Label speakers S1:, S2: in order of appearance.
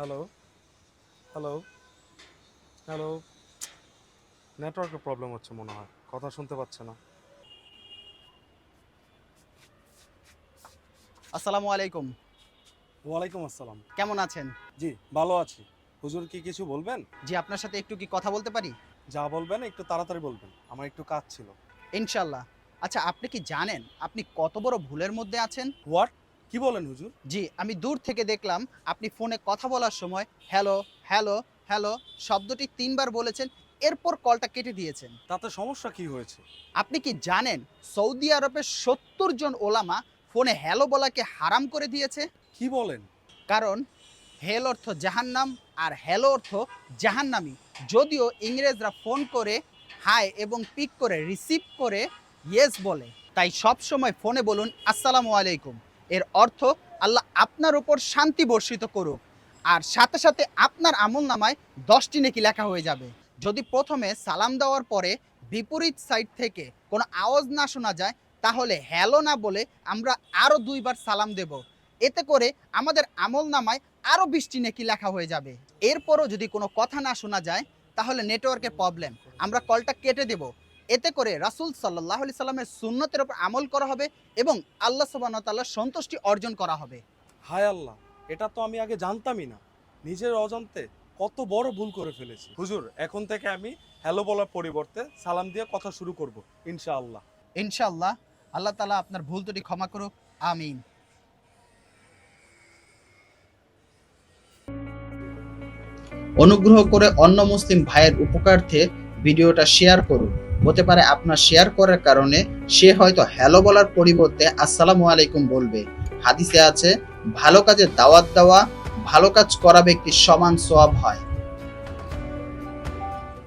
S1: Hello, hello, hello. নেটওয়ার্কের problem হচ্ছে মনে হয়, কথা শুনতে পাচ্ছে না।
S2: আসসালামু আলাইকুম।
S1: ওয়ালাইকুম আসসালাম।
S2: কেমন আছেন?
S1: জি, ভালো আছি। হুজুর কি কিছু বলবেন?
S2: জি, আপনার সাথে একটু কি কথা বলতে পারি?
S1: যা বলবেন একটু তাড়াতাড়ি বলবেন, আমার একটু কাজ ছিল।
S2: ইনশাআল্লাহ। আচ্ছা, আপনি কি জানেন আপনি কত বড় ভুলের মধ্যে আছেন?
S1: হোয়াট? কি বলেন হুজুর?
S2: জি, আমি দূর থেকে দেখলাম আপনি ফোনে কথা বলার সময় হ্যালো, হ্যালো, হ্যালো শব্দটি ৩ বার বলেছেন, এরপর কলটা কেটে দিয়েছেন।
S1: তাতে সমস্যা কি হয়েছে?
S2: আপনি কি জানেন সৌদি আরবের ৭০ জন ওলামা ফোনে হ্যালো বলাকে হারাম করে দিয়েছে?
S1: কি বলেন?
S2: কারণ হেল অর্থ জাহান্নাম আর হ্যালো অর্থ জাহান্নামী। যদিও ইংরেজরা ফোন করে হাই এবং পিক করে রিসিভ করে ইয়েস বলে, তাই সব সময় ফোনে বলুন আসসালামু আলাইকুম। এর অর্থ আল্লাহ আপনার উপর শান্তি বর্ষিত করুক, আর সাথে সাথে আপনার আমল নামায় 10টি নেকি লেখা হয়ে যাবে। যদি প্রথমে সালাম দেওয়ার পরে বিপরীত সাইড থেকে কোনো আওয়াজ না শোনা যায়, তাহলে হ্যালো না বলে আমরা আরও 2বার সালাম দেব। এতে করে আমাদের আমল নামায় আরও 20টি নেকি লেখা হয়ে যাবে। এরপরও যদি কোনো কথা না শোনা যায়, তাহলে নেটওয়ার্কের প্রবলেম, আমরা কলটা কেটে দেব। এতে করে রাসূল সাল্লাল্লাহু আলাইহি সাল্লামের সুন্নতের উপর আমল করা হবে এবং আল্লাহ সুবহানাহু ওয়া তাআলার সন্তুষ্টি অর্জন করা হবে।
S1: হায় আল্লাহ, এটা তো আমি আগে জানতামই না। নিজের অজান্তে কত বড় ভুল করে ফেলেছি। হুজুর, এখন থেকে আমি হ্যালো বলার পরিবর্তে সালাম দিয়ে কথা শুরু করব, ইনশাআল্লাহ।
S2: ইনশাআল্লাহ আল্লাহ তাআলা আপনার ভুল ত্রুটি ক্ষমা করুক। আমিন। অনুগ্রহ করে অন্য মুসলিম ভাইয়ের উপকার্থে ভিডিওটা শেয়ার করুন। হতে পারে আপনার শেয়ার করার কারণে সে হয়তো হ্যালো বলার পরিবর্তে আসসালামু আলাইকুম বলবে। হাদিসে আছে, ভালো কাজে দাওয়াত দেওয়া ভালো কাজ করা ব্যক্তির সমান সওয়াব হয়।